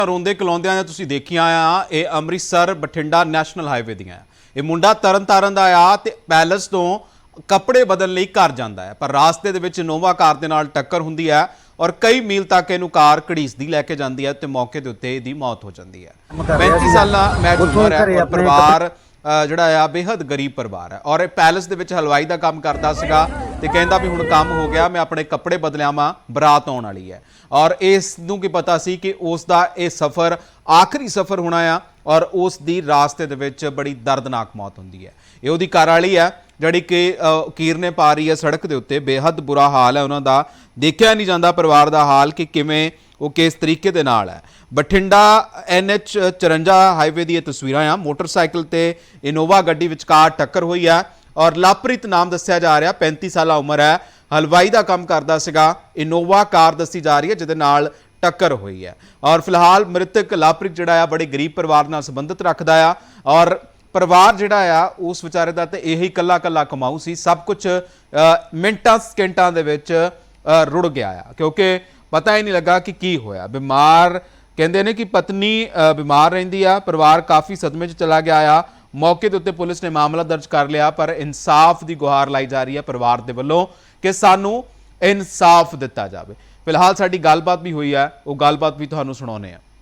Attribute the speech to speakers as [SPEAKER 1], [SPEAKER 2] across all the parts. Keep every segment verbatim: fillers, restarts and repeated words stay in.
[SPEAKER 1] ਰੋਂਦੇ ਕਲਾਉਂਦਿਆਂ ਨੇ ਤੁਸੀਂ ਦੇਖੀਆਂ ਆ ਇਹ ਅੰਮ੍ਰਿਤਸਰ ਬਠਿੰਡਾ ਨੈਸ਼ਨਲ ਹਾਈਵੇ ਦੀਆਂ ਇਹ ਮੁੰਡਾ ਤਰਨ ਤਾਰਨ ਦਾ ਆ ਤੇ ਪੈਲਸ ਤੋਂ ਕੱਪੜੇ ਬਦਲਣ ਲਈ ਘਰ ਜਾਂਦਾ ਹੈ ਪਰ ਰਾਸਤੇ ਦੇ ਵਿੱਚ ਇਨੋਵਾ ਕਾਰ ਦੇ ਨਾਲ ਟੱਕਰ ਹੁੰਦੀ ਹੈ और कई मील तक ਇਹਨੂੰ ਕਾਰ ਘੜੀਸਦੀ ਲੈ ਕੇ ਜਾਂਦੀ ਹੈ ਤੇ ਮੌਕੇ ਦੇ ਉੱਤੇ ਇਹਦੀ ਮੌਤ ਹੋ ਜਾਂਦੀ ਹੈ। पैंतीस ਸਾਲਾ ਮੈਚ ਉਮਰ ਹੈ और ਪਰਿਵਾਰ ਜਿਹੜਾ ਆ ਬੇहद ਗਰੀਬ ਪਰਿਵਾਰ ਹੈ और ਪੈਲਸ ਦੇ ਵਿੱਚ ਹਲਵਾਈ ਦਾ ਕੰਮ ਕਰਦਾ ਸੀਗਾ ਤੇ ਕਹਿੰਦਾ ਵੀ ਹੁਣ ਕੰਮ ਹੋ ਗਿਆ ਮੈਂ ਆਪਣੇ ਕੱਪੜੇ ਬਦਲਿਆਵਾਂ ਬਰਾਤ ਆਉਣ ਵਾਲੀ ਹੈ और ਇਸ ਨੂੰ ਕੀ ਪਤਾ ਸੀ ਕਿ ਉਸ ਦਾ ਇਹ ਸਫ਼ਰ ਆਖਰੀ ਸਫ਼ਰ ਹੋਣਾ ਆ और ਉਸ ਦੀ ਰਾਸਤੇ ਦੇ ਵਿੱਚ ਬੜੀ ਦਰਦਨਾਕ ਮੌਤ ਹੁੰਦੀ ਹੈ। ਇਹ ਉਹਦੀ ਘਰ ਵਾਲੀ ਹੈ ਜਿਹੜੀ कि कीरने पा रही है सड़क के उत्ते बेहद बुरा हाल है उन्हों का देखा नहीं जाता परिवार का हाल कि किमें वो किस तरीके दे नाल है। बठिंडा एन एच चौरंजा हाईवे दी तस्वीरां आ मोटरसाइकिल ते इनोवा गड्डी विचकार टक्कर हुई है और लवप्रीत नाम दस्या जा रहा पैंतीस साल उम्र है हलवाई का काम करता सीगा इनोवा कार दसी जा रही है जिहदे नाल टक्कर हुई है और फिलहाल मृतक लवप्रीत जिहड़ा आ बड़े गरीब परिवार नाल संबंधित रखदा आ और परिवार जिहड़ा आ उस विचारे दा ते यही कल्ला कल्ला कमाऊ सी सब कुछ मिनटां सकेंटां दे विच रुड़ गया आ क्योंकि पता ही नहीं लगा कि की होया। बीमार कहंदे ने कि पत्नी बीमार रहिंदी आ परिवार काफ़ी सदमे च चला गया आ मौके दे उत्ते पुलिस ने मामला दर्ज कर लिया पर इंसाफ की गुहार लाई जा रही है परिवार दे वल्लों कि सानू इंसाफ दिता जाए। फिलहाल साडी गलबात भी हुई है वो गलबात भी तुहानू सुणाउने आ।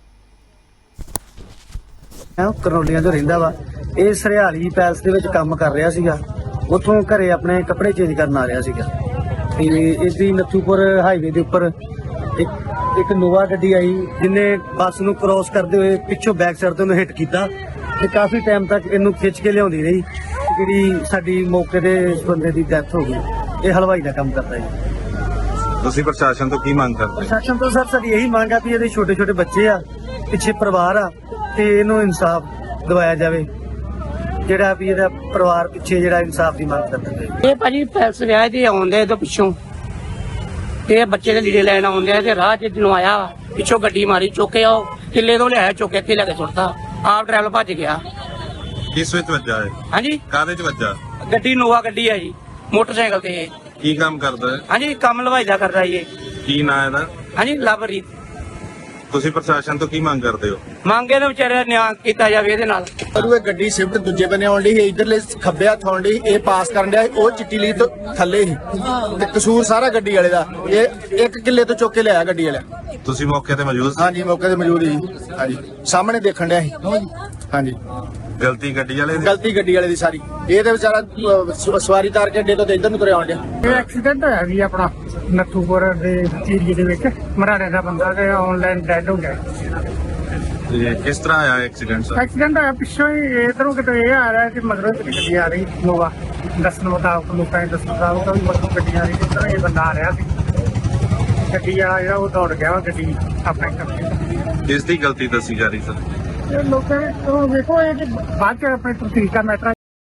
[SPEAKER 2] ਕਰਨੋਲੀਆਂ ਤੋਂ ਰਹਿੰਦਾ ਵਾ ਇਹ ਸਰਿਆਲੀ ਪੈਲਸ ਦੇ ਵਿੱਚ ਕੰਮ ਕਰ ਰਿਹਾ ਸੀਗਾ ਉੱਥੋਂ ਘਰੇ ਆਪਣੇ ਕੱਪੜੇ ਚੇਂਜ ਕਰਨ ਆ ਰਿਹਾ ਸੀਗਾ ਤੇ ਇਸ ਦੀ ਨੱਥੂਪੁਰ ਹਾਈਵੇ ਦੇ ਉੱਪਰ ਇੱਕ ਇੱਕ ਨੋਵਾ ਗੱਡੀ ਆਈ ਜਿਹਨੇ ਬੱਸ ਨੂੰ ਕ੍ਰੋਸ ਕਰਦੇ ਹੋਏ ਪਿੱਛੋਂ ਬੈਕ ਸਾਈਡ ਤੋਂ ਉਹਨੂੰ ਹਿੱਟ ਕੀਤਾ ਤੇ ਕਾਫੀ ਟਾਈਮ ਤੱਕ ਇਹਨੂੰ ਖਿੱਚ ਕੇ ਲਿਆਉਂਦੀ ਰਹੀ ਜਿਹੜੀ ਸਾਡੀ ਮੌਕੇ ਤੇ ਇਸ ਬੰਦੇ ਦੀ ਡੈਥ ਹੋ ਗਈ। ਇਹ ਹਲਵਾਈ ਦਾ ਕੰਮ ਕਰਦਾ ਜੀ।
[SPEAKER 3] ਤੁਸੀਂ ਪ੍ਰਸ਼ਾਸਨ ਤੋਂ ਕੀ ਮੰਗ ਕਰਦੇ?
[SPEAKER 2] ਪ੍ਰਸ਼ਾਸਨ ਤੋਂ ਸਰ ਸਾਡੀ ਇਹੀ ਮੰਗ ਆ ਵੀ ਇਹਦੇ ਛੋਟੇ ਛੋਟੇ ਬੱਚੇ ਆ ਪਿੱਛੇ ਪਰਿਵਾਰ ਆ ਤੇ ਇਹਨੂੰ ਇਨਸਾਫ ਦਿਵਾਇਆ ਜਾਵੇ ਜਿਹੜਾ ਵੀ ਇਹਦਾ ਪਰਿਵਾਰ ਪਿੱਛੇ ਜਿਹੜਾ ਇਨਸਾਫ ਦੀ ਮੰਗ ਕਰਦਾ।
[SPEAKER 4] ਇਹ ਭਾਜੀ ਪੈਲਸ ਵਿਆਹ ਦੇ ਆਉਂਦੇ ਇਹਦੇ ਪਿੱਛੋਂ ਤੇ ਬੱਚੇ ਦੇ ਲੀੜੇ ਲੈਣ ਆਉਂਦੇ ਤੇ ਰਾਹ 'ਚ ਜਦੋਂ ਆਇਆ ਪਿੱਛੋਂ ਗੱਡੀ ਮਾਰੀ ਚੁੱਕੇ ਆ ਕਿੱਲੇ ਤੋਂ ਲਿਆਇਆ ਚੁੱਕ ਕੇ ਇੱਥੇ ਲੈ ਕੇ ਸੁੱਟਤਾ ਆਪ ਡਰਾਈਵਰ ਭੱਜ ਗਿਆ।
[SPEAKER 3] ਕਿਸ ਵਿੱਚ ਵੱਜਾ ਹੈ?
[SPEAKER 4] ਹਾਂਜੀ
[SPEAKER 3] ਕਾਹਦੇ 'ਚ ਵੱਜਾ?
[SPEAKER 4] ਗੱਡੀ ਨੋਵਾ ਗੱਡੀ ਹੈ ਜੀ ਮੋਟਰਸਾਈਕਲ ਤੇ।
[SPEAKER 3] ਕੀ ਕੰਮ ਕਰਦਾ ਹੈ?
[SPEAKER 4] ਹਾਂਜੀ ਕੰਮ ਹਲਵਾਈ ਦਾ ਕਰਦਾ ਜੀ।
[SPEAKER 3] ਕੀ ਨਾਂ ਇਹਦਾ?
[SPEAKER 4] ਹਾਂਜੀ ਲਵਰੀਤ।
[SPEAKER 3] ਤੁਸੀਂ ਪ੍ਰਸ਼ਾਸਨ ਤੋਂ ਕੀ ਮੰਗ ਕਰਦੇ ਹੋ?
[SPEAKER 4] ਮੰਗੇ ਦੇ ਵਿਚਾਰੇ ਨਿਆਂ ਕੀਤਾ ਜਾਵੇ ਇਹਦੇ ਨਾਲ।
[SPEAKER 5] ਪਰ ਇਹ ਗੱਡੀ ਸਿਫਟ ਦੂਜੇ ਬੰਨੇ ਆਉਣ ਲਈ ਇਧਰਲੇ ਖੱਬੇ ਹੱਥ ਆਉਣ ਲਈ ਇਹ ਪਾਸ ਕਰਨ ਡਿਆ ਉਹ ਚਿੱਟੀ ਲਈ ਤੋਂ ਥੱਲੇ ਹੀ ਤੇ ਕਸੂਰ ਸਾਰਾ ਗੱਡੀ ਵਾਲੇ ਦਾ ਇਹ ਇੱਕ ਕਿੱਲੇ ਤੋਂ ਚੁੱਕ ਕੇ ਲਿਆਇਆ ਗੱਡੀ ਵਾਲਾ।
[SPEAKER 3] ਤੁਸੀਂ ਮੌਕੇ ਤੇ ਮੌਜੂਦ ਸੀ?
[SPEAKER 5] ਹਾਂਜੀ ਮੌਕੇ ਤੇ ਮੌਜੂਦ ਸੀ। ਹਾਂਜੀ ਸਾਹਮਣੇ ਦੇਖਣ ਡਿਆ ਸੀ। ਹਾਂਜੀ
[SPEAKER 3] ਗਲਤੀ ਗੱਡੀ ਵਾਲੇ ਦੀ?
[SPEAKER 5] ਗਲਤੀ ਗੱਡੀ ਵਾਲੇ ਦੀ ਸਾਰੀ। ਇਹ ਤੇ ਵਿਚਾਰਾ ਅਹ, ਸਵਾਰੀ ਤਾਰ ਕੇ ਅੱਡੇ ਤੋਂ ਤੇ ਇੱਧਰ ਨੂੰ ਤੁਰਿਆ ਆਉਣ ਡਿਆ।
[SPEAKER 6] ਇਹ ਐਕਸੀਡੈਂਟ ਹੋਇਆ ਜੀ ਆਪਣਾ ਨੱਥੂਪੁਰ ਦੇ ਏਰੀਏ ਦੇ ਵਿੱਚ ਮਰਾੜੇ ਦਾ ਬੰਦਾ ਤੇ ਆਨਲਾਈਨ ਡੈਡ ਹੋ ਗਿਆ।
[SPEAKER 3] ਤੇ ਕਿਸ ਤਰ੍ਹਾਂ ਆਇਆ ਐਕਸੀਡੈਂਟ ਸਰ?
[SPEAKER 6] ਐਕਸੀਡੈਂਟ ਹੋਇਆ ਪਿੱਛੋਂ ਹੀ ਇਧਰੋਂ ਕਿਤੇ ਇਹ ਆ ਰਿਹਾ ਕਿ ਮਗਰੋਂ ਇੱਕ ਗੱਡੀ ਆ ਰਹੀ ਨੋਵਾ ਦੱਸਣ ਮੁਤਾਬਕ ਲੋਕਾਂ ਦੇ ਦੱਸਣ ਮੁਤਾਬਕ ਵੀ ਮਗਰੋਂ ਗੱਡੀ ਆ ਰਹੀ ਜਿਸ ਤਰ੍ਹਾਂ ਇਹ ਬੰਦਾ ਆ ਰਿਹਾ ਸੀ ਗੱਡੀ ਵਾਲਾ ਜਿਹੜਾ ਉਹ ਦੌੜ ਗਿਆ ਵਾ ਗੱਡੀ ਆਪਣੇ ਕਰਕੇ।
[SPEAKER 3] ਕਿਸ ਦੀ ਗਲਤੀ ਦੱਸੀ ਜਾ ਰਹੀ ਸਰ?
[SPEAKER 6] ਇਹ ਲੋਕਾਂ ਨੇ ਉਹ ਵੇਖੋ ਇਹ ਕਿ ਬਾਅਦ ਚ ਆਪਣੇ ਤਰੀਕਾ ਮੈਟਰ